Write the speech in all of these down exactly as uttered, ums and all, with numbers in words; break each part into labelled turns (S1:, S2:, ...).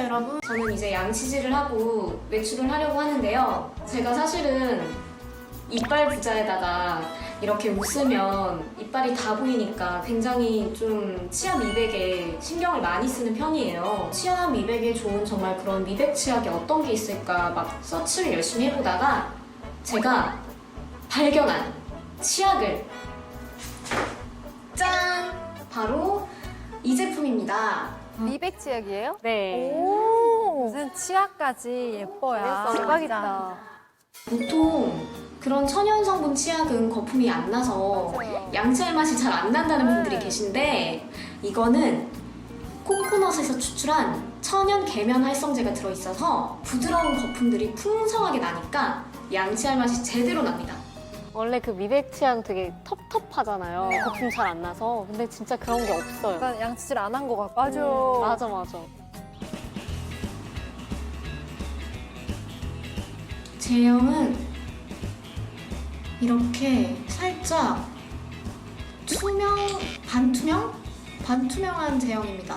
S1: 안녕하세요 여러분. 저는 이제 양치질을 하고 외출을 하려고 하는데요. 제가 사실은 이빨 부자에다가 이렇게 웃으면 이빨이 다 보이니까 굉장히 좀 치아 미백에 신경을 많이 쓰는 편이에요. 치아 미백에 좋은 정말 그런 미백 치약이 어떤 게 있을까 막 서치를 열심히 해보다가 제가 발견한 치약을 짠! 바로 이 제품입니다.
S2: 미백 치약이에요?
S3: 네.
S2: 오, 무슨 치약까지 예뻐요.
S3: 대박이다.
S1: 보통 그런 천연 성분 치약은 거품이 안 나서
S2: 맞아요.
S1: 양치할 맛이 잘 안 난다는 분들이 계신데 이거는 코코넛에서 추출한 천연 계면 활성제가 들어있어서 부드러운 거품들이 풍성하게 나니까 양치할 맛이 제대로 납니다.
S3: 원래 그 미백 치약 되게 텁텁하잖아요. 거품 잘 안 나서. 근데 진짜 그런 게 없어요.
S2: 약간 양치질 안 한 것 같고. 맞아.
S3: 맞아, 맞아.
S1: 제형은 이렇게 살짝 투명, 반투명? 반투명한 제형입니다.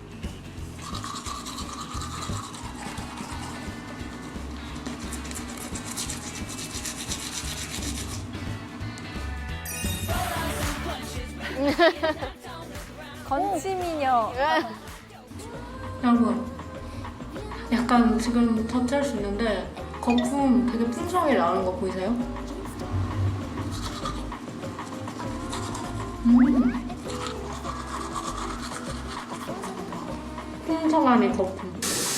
S2: 건치미녀.
S1: 여러분, 약간 지금 터치할 수 있는데 거품 되게 풍성하게 나오는 거 보이세요? 음. 풍성한 이 거품.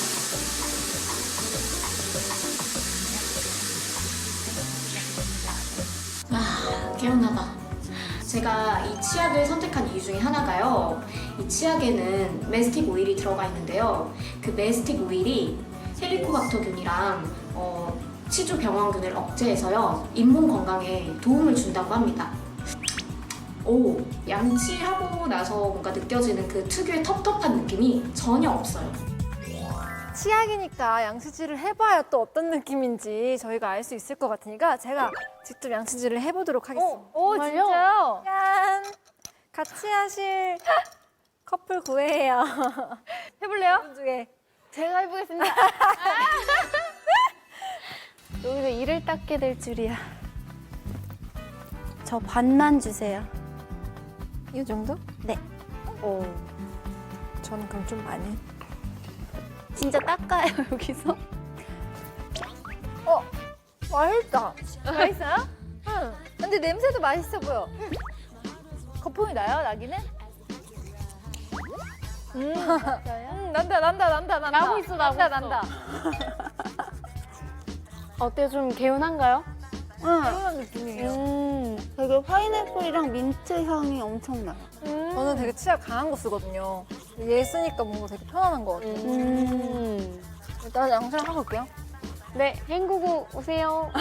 S1: 아, 개운하다. 제가 이 치약을 선택한 이유 중에 하나가요. 이 치약에는 메스틱 오일이 들어가 있는데요. 그 메스틱 오일이 헬리코박터균이랑 어, 치주 병원균을 억제해서요. 잇몸 건강에 도움을 준다고 합니다. 오, 양치하고 나서 뭔가 느껴지는 그 특유의 텁텁한 느낌이 전혀 없어요.
S2: 치약이니까 양치질을 해봐야 또 어떤 느낌인지 저희가 알 수 있을 것 같으니까 제가 직접 양치질을 해보도록 하겠습니다.
S3: 오, 정말요?
S2: 진짜요? 짠! 같이 하실 커플 구해요. 해볼래요? 중에.
S3: 제가 해보겠습니다. 여기서 이를 닦게 될 줄이야.
S4: 저 반만 주세요.
S2: 이 정도?
S4: 네.
S3: 오.
S2: 저는 그럼 좀 많이.
S4: 진짜 닦아요, 여기서?
S2: 어, 맛있다. 맛있어요? 응. 근데 냄새도 맛있어 보여. 거품이 나요, 나기는? 음, 음, 난다, 난다, 난다, 난다.
S3: 나고 있어, 나고
S2: 난다,
S3: 있어.
S2: 난다.
S3: 어때요? 좀 개운한가요?
S4: 응.
S2: 그런 느낌이에요.
S3: 음.
S4: 되게 파인애플이랑 민트 향이 엄청 나요.
S3: 음.
S2: 저는 되게 치약 강한 거 쓰거든요. 얘 쓰니까 뭔가 되게 편안한 것 같아요.
S3: 음.
S2: 일단 양치를 하고 올게요.
S3: 네, 헹구고 오세요.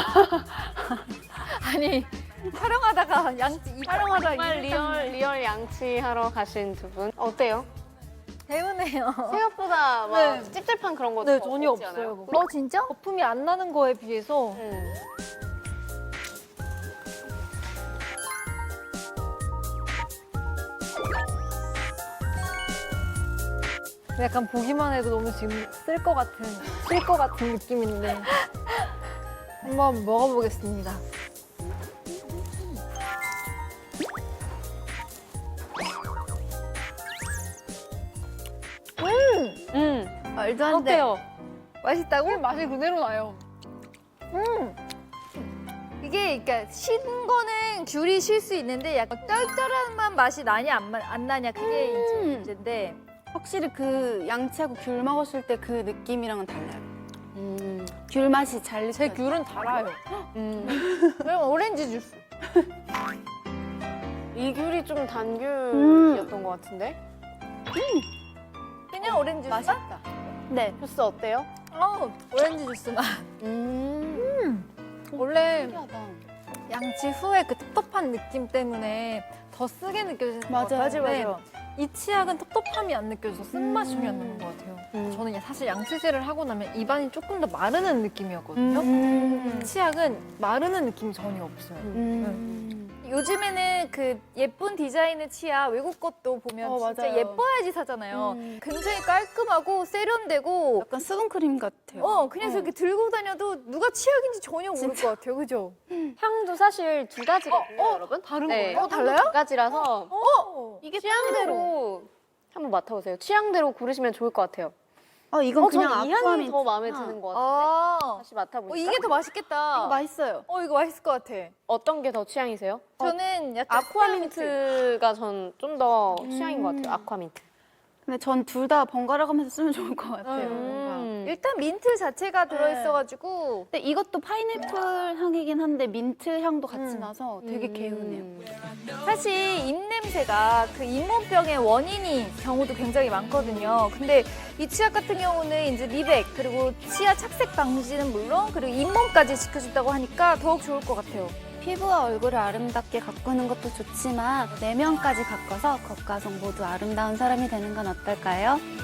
S2: 아니, 촬영하다가 양치, 이 촬영하다가
S3: 정말 리얼, 리얼 양치하러 가신 두 분. 어때요?
S2: 개운해요.
S3: 생각보다 막
S2: 네.
S3: 찝찝한 그런 것도
S2: 네, 전혀
S3: 없지 않아요?
S2: 없어요. 어, 진짜? 거품이 안 나는 거에 비해서
S3: 음.
S2: 약간 보기만 해도 너무 지금 쓸 것 같은, 쓸 것 같은 느낌인데. 한번 먹어보겠습니다.
S3: 음.
S4: 말도 안 돼.
S3: 어때요?
S2: 맛있다고? 맛이 그대로 나요. 음. 이게 그러니까 신 거는 귤이 실 수 있는데 약간 쩔쩔한 맛이 나냐 안, 마- 안 나냐 그게 이제
S4: 음.
S2: 문제인데
S4: 확실히 그 양치하고 귤 먹었을 때 그 느낌이랑은 달라요.
S3: 음.
S4: 귤 맛이 잘
S2: 제
S4: 느껴져요.
S2: 귤은 달아요.
S3: 음.
S2: 그럼 오렌지 주스.
S3: 이 귤이 좀 단귤이었던 것 같은데?
S2: 그냥 오렌지 주스?
S4: 맛있다.
S2: 네.
S3: 주스 어때요?
S2: 어, 오렌지 주스 맛.
S3: 음.
S2: 원래
S4: 신기하다.
S2: 양치 후에 그 텁텁한 느낌 때문에 더 쓰게 느껴지는 것
S4: 맞아요.
S2: 같아요.
S4: 맞아요,
S2: 근데
S4: 맞아요.
S2: 이 치약은 텁텁함이 안 느껴져서 쓴맛이 전혀 안
S4: 음.
S2: 나는 것 같아요.
S3: 음.
S2: 저는 사실 양치질을 하고 나면 입안이 조금 더 마르는 느낌이었거든요.
S4: 음.
S2: 이 치약은 마르는 느낌이 전혀 없어요.
S4: 음.
S2: 이 요즘에는 그 예쁜 디자인의 치아 외국 것도 보면
S4: 어,
S2: 진짜
S4: 맞아요.
S2: 예뻐야지 사잖아요.
S4: 음.
S2: 굉장히 깔끔하고 세련되고
S4: 약간 수분크림 같아요.
S2: 어 그냥 이렇게 들고 다녀도 누가 치약인지 전혀 모를 것 같아요. 그죠?
S3: 향도 사실 두 가지거든요,
S2: 어, 어,
S3: 여러분.
S2: 다른
S3: 네,
S2: 거예요? 어, 달라요?
S3: 두 가지라서
S2: 어.
S4: 이게
S3: 취향대로 한번 맡아보세요. 취향대로 고르시면 좋을 것 같아요.
S4: 어, 이건
S3: 어,
S4: 그냥
S3: 저는 이 향이
S4: 아쿠아민트.
S3: 더 마음에 드는 것 같아요.
S2: 아.
S3: 다시 맡아보니까
S2: 어, 이게 더 맛있겠다.
S4: 이거 맛있어요.
S2: 어, 이거 맛있을 것 같아.
S3: 어떤 게 더 취향이세요?
S2: 저는 약간
S3: 아쿠아민트가 전 좀 더 취향인 것
S4: 음.
S3: 같아요. 아쿠아민트.
S4: 근데 전 둘 다 번갈아 가면서 쓰면 좋을 것 같아요.
S3: 음.
S2: 일단 민트 자체가 들어있어가지고
S4: 근데 이것도 파인애플 향이긴 한데 민트 향도 같이
S2: 음.
S4: 나서 되게
S3: 음.
S4: 개운해요.
S2: 사실 입냄새가 그 잇몸병의 원인인 경우도 굉장히 많거든요. 근데 이 치약 같은 경우는 이제 미백 그리고 치아 착색 방지는 물론 그리고 잇몸까지 지켜준다고 하니까 더욱 좋을 것 같아요.
S4: 피부와 얼굴을 아름답게 가꾸는 것도 좋지만 내면까지 가꿔서 겉과 속 모두 아름다운 사람이 되는 건 어떨까요?